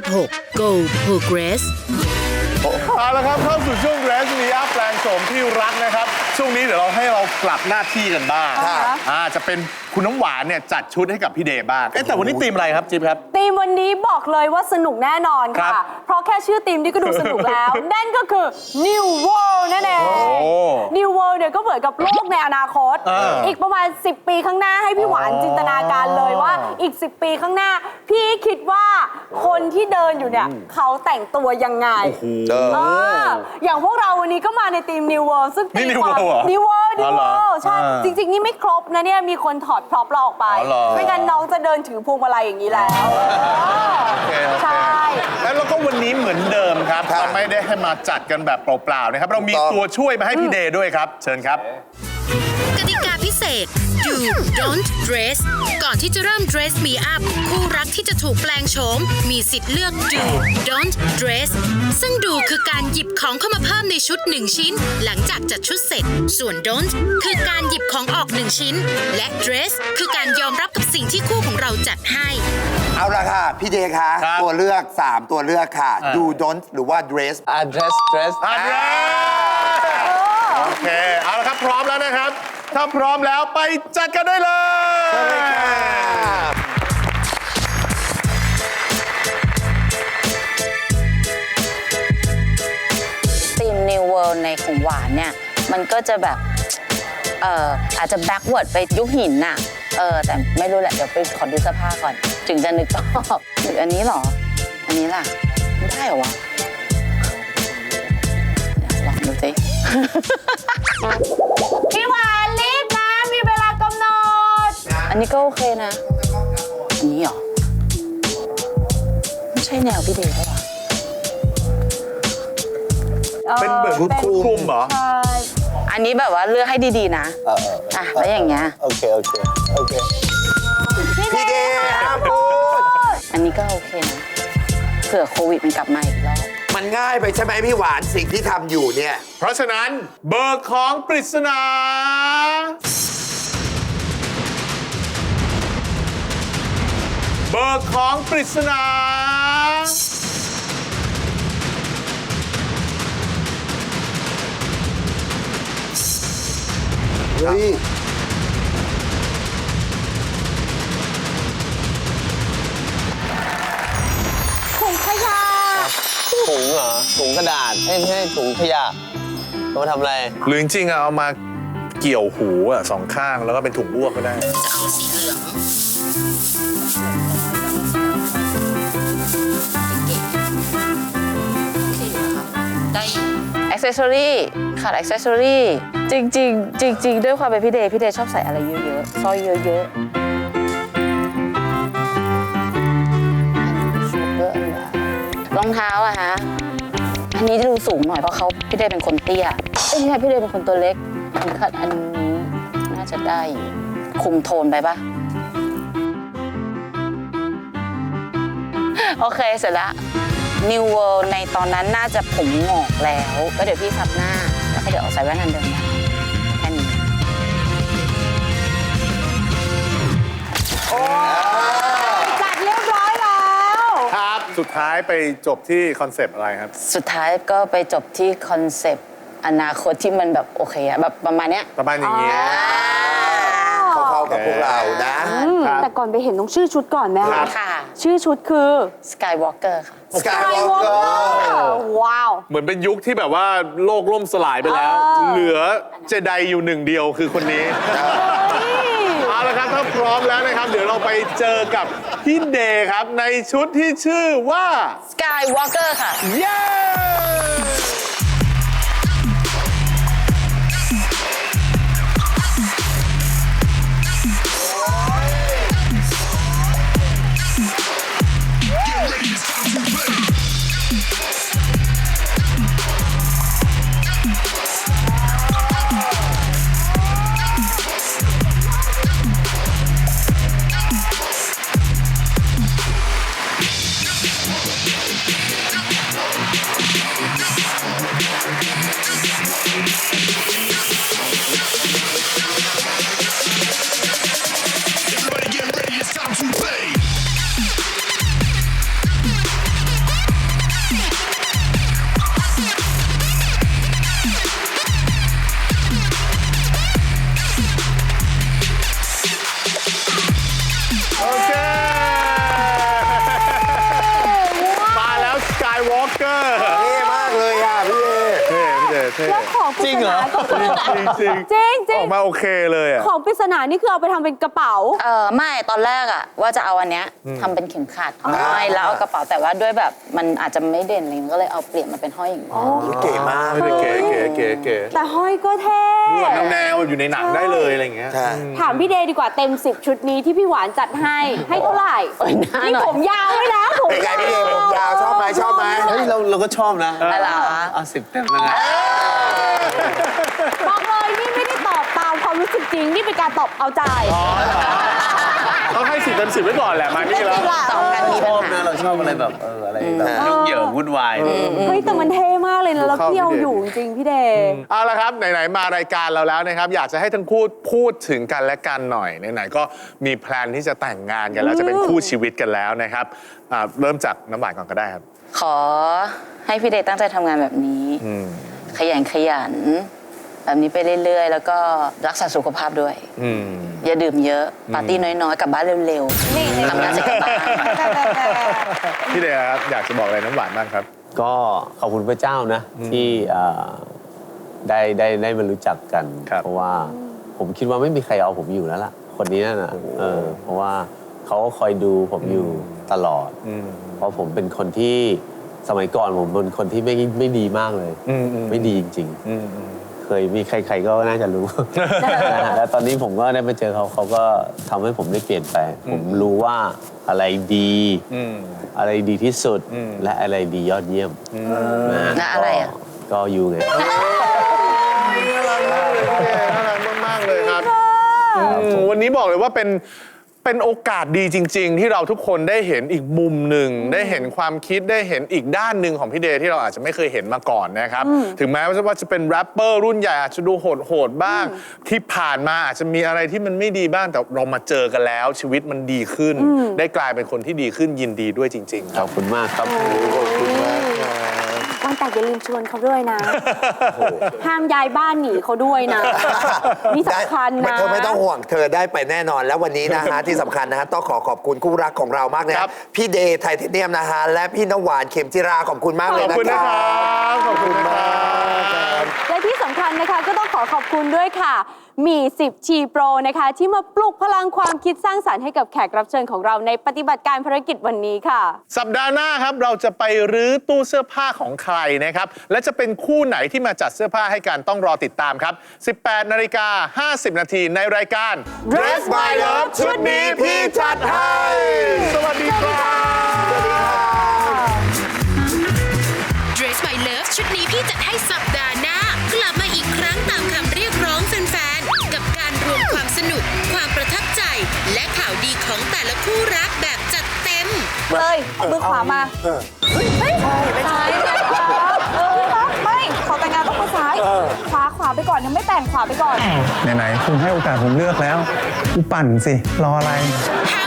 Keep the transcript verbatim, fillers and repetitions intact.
หก Go Progress เอาละครับเข้าสู่ช่วง Dress Me Up แปลงโฉมที่รักนะครับช่วงนี้เดี๋ยวเราให้เรากลับหน้าที่กันบ้างอ่าจะเป็นคุณน้ำหวานเนี่ยจัดชุดให้กับพี่เดย์บ้างเอ๊ะแต่วันนี้ธีมอะไรครับจิ๊บครับธีมวันนี้บอกเลยว่าสนุกแน่นอนค่ะ เพราะแค่ชื่อธีมนี่ก็ดูสนุกแล้ว นั่นก็คือ New World นั่นเอง New World เนี่ยก็เหมือนกับโลกในอนาคต อีกประมาณสิบปีข้างหน้าให้พี่หวานจินตนาการเลยว่าอีกสิบปีข้างหน้า พี่คิดว่าคนที่เดินอยู่เนี่ยเขาแต่งตัวยังไงเอออย่างพวกเราวันนี้ก็มาในธีม New World ซึ่งตีความ New World New World ใช่จริงๆนี่ไม่ครบนะเนี่ยมีคนถอดพร็อพเราออกไปไม่งั้นน้องจะเดินถือพวงมาลัยอย่างนี้แล้วใช่แล้วเราก็วันนี้เหมือนเดิมครับเราไม่ได้ให้มาจัดกันแบบเปล่าๆนะครับเรามีตัวช่วยมาให้พี่เดย์ด้วยครับเชิญครับกติกาพิเศษ Do Don't Dress ก่อนที่จะเริ่ม Dress Me Up คู่รักที่จะถูกแปลงโฉมมีสิทธิ์เลือก Do Don't Dress ซึ่ง Do คือการหยิบของเข้ามาเพิ่มในชุดหนึ่งชิ้นหลังจากจัดชุดเสร็จส่วน Don't คือการหยิบของออกหนึ่งชิ้นและ Dress คือการยอมรับกับสิ่งที่คู่ของเราจัดให้เอาละค่ะพี่เดย์คะตัวเลือกสามตัวเลือกค่ะ Do Don't หรือว่า Dress อ่า dress dress อ่ะ Dress โอเคเอาละครับพร้อมแล้วนะครับถ้าพร้อมแล้วไปจัดกันได้เลยทีม New World ในของหวานเนี่ยมันก็จะแบบเอ่ออาจจะ backward ไปยุคหินน่ะเออแต่ไม่รู้แหละเดี๋ยวไปขอดูเสื้อผ้าก่อนถึงจะนึกออกหรืออันนี้หรออันนี้ล่ะไม่ได้เหรอวะลองดูสิพี่หวานรีบนะมีเวลากำหนดอันนี้ก็โอเคนะอันนี้เหรอไม่ใช่แนวพี่เดย์ใช่ปะเป็นเหมือนคลุมเหรอใช่อันนี้แบบว่าเลือกให้ดีๆนะอ่ะแล้วอย่างเงี้ยโอเคโอเคโอเคพี่เดย์ครับพูดอันนี้ก็โอเคนะเผื่อโควิดมันกลับมาอีกรอบมันง่ายไปใช่ไหมพี่หวานสิ่งที่ทำอยู่เนี่ยเพราะฉะนั้นเบอร์ของปริศนาเบอร์ของปริศนาเฮ้ยถุงขยะถุงเหรอถุงกระดาษไม่ใช่ถุงขยะเอามาทำอะไรหรือจริงๆเอามาเกี่ยวหูอ่ะสองข้างแล้วก็เป็นถุงอ้วกก็ได้จะเอาสีเหลืองได้อ็อกเซสซอรี่ขาดอ็อกเซสซอรี่จริงๆจริงๆด้วยความเป็นพี่เดย์พี่เดย์ชอบใส่อะไรเยอะๆสร้อยเยอะๆรองเท้าอะฮะอันนี้จะดูสูงหน่อยเพราะเขาพี่เดย์เป็นคนเตี้ยเอ้ยพี่เดย์เป็นคนตัวเล็กอันขัดอันนี้น่าจะได้คุมโทนไปปะโอเคเสร็จแล้ว New World ในตอนนั้นน่าจะผมงอกแล้วก็เดี๋ยวพี่ซับหน้าแล้วก็เดี๋ยวเอาใส่แว่นอันเดิมได้แค่นี้จัดเรียบร้อยแล้วครับสุดท้ายไปจบที่คอนเซปต์อะไรครับสุดท้ายก็ไปจบที่คอนเซปต์อนาคตที่มันแบบโอเคอะแบบประมาณเนี้ยประมาณอย่างเงี้ยเข้ากับพวกเรานะแต่ก่อนไปเห็นต้องชื่อชุดก่อนไหมคะค่ะชื่อชุดคือ Skywalker ค่ะ Skywalker ว้าวเหมือนเป็นยุคที่แบบว่าโลกล่มสลายไปแล้วเหลือเจไดอยู่หนึ่งเดียวคือคนนี้เอาละครับถ้าพร้อมแล้วนะครับเดี๋ยวเราไปเจอกับพี่เดย์ครับในชุดที่ชื่อว่า Skywalker ค่ะเย้ของปริศนาก็คือจริงจริงจริงจริอง อกมาโอเคเลยอ่ะของปริศนานี่คือเอาไปทำเป็นกระเป๋าเออไม่ตอนแรกอะว่าจะเอาอันเนี้ยทำเป็นเข็มขัดห้อยแล้วเอากระเป๋าแต่ว่าด้วยแบบมันอาจจะไม่เด่นอะไรเงี้ยก็เลยเอาเปลี่ยนมาเป็นห้อยอย่างนี้เก๋มากไม่ได้เก๋เก๋เก๋เก๋แต่ห้อยก็เท่ดูแบบแนวๆอยู่ในหนังได้เลยอะไรอย่างเงี้ยใช่ถามพี่เดย์ดีกว่าเต็มสิบชุดนี้ที่พี่หวานจัดให้ให้เท่าไหร่โอ้ยหน้านี่หน่อยผมยาวด้วยนะผมเป็นไงพี่เดย์ผมยาวชอบไหมชอบไหมเฮ้ยเราเราก็ชอบนะอะไรเหรอเอาสิบเต็มแล้วไงบอกเลยนี่ไม่ได้ตอบตามความรู้สึกจริง นี่เป็นการตอบเอาใจต้องให้สิบเต็มสิบไว้ก่อนแหละมานี่แล้วสองกันมีชปัญอบหานะเราชอบอะไรแบบเอออะไรแบบยุ่งเหยิงวุ่นวายเฮ้ยแต่มันเท่มากเลยนะแล้วเข้าเที่ยวพี่เดย์อยู่จริงๆพี่เดย์เอาละครับไหนๆมารายการเราแล้วนะครับ อยากจะให้ทั้งคู่พูดถึงกันและกันหน่อยไหนๆก็มีแพลนที่จะแต่งงานกันแล้วจะเป็นคู่ชีวิตกันแล้วนะครับอ่าเริ่มจากน้ำหวานก่อนก็ได้ครับขอให้พี่เดย์ตั้งใจทำงานแบบนี้อืมขยันขยัน แบบนี้ไปเรื่อยๆ แล้วก็รักษาสุขภาพด้วยอืมอย่าดื่มเยอะ ปาร์ตี้น้อยๆ กลับบ้านเร็วๆทำงานเสร็จกลับบ้านพี่เดชครับอยากจะบอกอะไรน้ำหวานบ้างครับก็ขอบคุณพระเจ้านะ ที่เอ่อได้ได้ได้มารู้จักกันครับเพราะว่าผมคิดว่าไม่มีใครเอาผมอยู่แล้วล่ะ คนนี้นะเออเพราะว่าเขาก็คอยดูผมอยู่ตลอดอืมเพราะผมเป็นคนที่สมัยก่อนผมเป็นคนที่ไม่ไม่ดีมากเลยอืมอืมไม่ดีจริงอืมอืมๆ เคยมีใคร ๆก็น่าจะรู้ นะฮะแล้วตอนนี้ผมก็ได้มาเจอเขาเขาก็ทำให้ผมได้เปลี่ยนไป ผมรู้ว่าอะไรดีอืมอะไรดีที่สุดอืมและอะไรดียอดเยี่ยมนะฮะและอะไรอ่ะก็ก็อยู่ไงน่ารักมากเลยพี่เดชน่ารักมากๆเลยครับอืมวันนี้บอกเลยว่าเป็นเป็นโอกาสดีจริง ๆ ที่เราทุกคนได้เห็นอีกมุมหนึ่งได้เห็นความคิดได้เห็นอีกด้านหนึ่งของพี่เดย์ที่เราอาจจะไม่เคยเห็นมาก่อนนะครับ ถึงแม้ว่าจะเป็นแรปเปอร์รุ่นใหญ่อาจจะดูโหดๆบ้าง ที่ผ่านมาอาจจะมีอะไรที่มันไม่ดีบ้างแต่เรามาเจอกันแล้ว ชีวิตมันดีขึ้น ได้กลายเป็นคนที่ดีขึ้นยินดีด้วยจริง ๆ คขรัอบบคุณมากครับวันแต่งอย่าลืมชวนเขาด้วยนะ ห้ามย้ายบ้านหนีเขาด้วยนะ นี่สำคัญนะเธอไม่ต้องห่วงเธอได้ไปแน่นอนแล้ววันนี้นะฮะ ที่สำคัญนะฮะต้องขอขอบคุณคู่รักของเรามากนะคครัรับบ พี่เดย์ไทเทเนียมนะฮะและพี่น้ำหวานเข็มจิราขอบคุณมากเลยขอบนะคุณคนะรัครับบขอบคุณนะครับและที่สำคัญนะคะก็ต้องขอขอบคุณด้วยค่ะ มีสิบชีโปรนะคะ ที่มาปลุกพลังความคิดสร้างสรรค์ให้กับแขกรับเชิญของเราในปฏิบัติการภารกิจวันนี้ค่ะสัปดาห์หน้าครับเราจะไปรื้อตู้เสื้อผ้าของใครนะครับ และจะเป็นคู่ไหนที่มาจัดเสื้อผ้าให้กันต้องรอติดตามครับ สิบแปดนาฬิกาห้าสิบนาทีในรายการ Dress My Love ชุดนี้พี่จัดให้สวัสดีครับ Dress My Love ชุดนี้พี่จัดให้สัปดาห์หน้ากลับมาอีกครั้งตามคำเรียกร้องแฟนๆ กับการรวมความสนุก ความประทับใจ และข่าวดีของแต่ละคู่รักแบบจัดเต็มเลยเอามือขวามาเฮ้ยไม่ใช่ไม่ใช่เออไม่ขอแต่งงานต้องมือซ้ายขวาขวาไปก่อนยังไม่แต่งขวาไปก่อนไหนๆคุณให้โอกาสผมเลือกแล้วกูปั่นสิ รออะไรห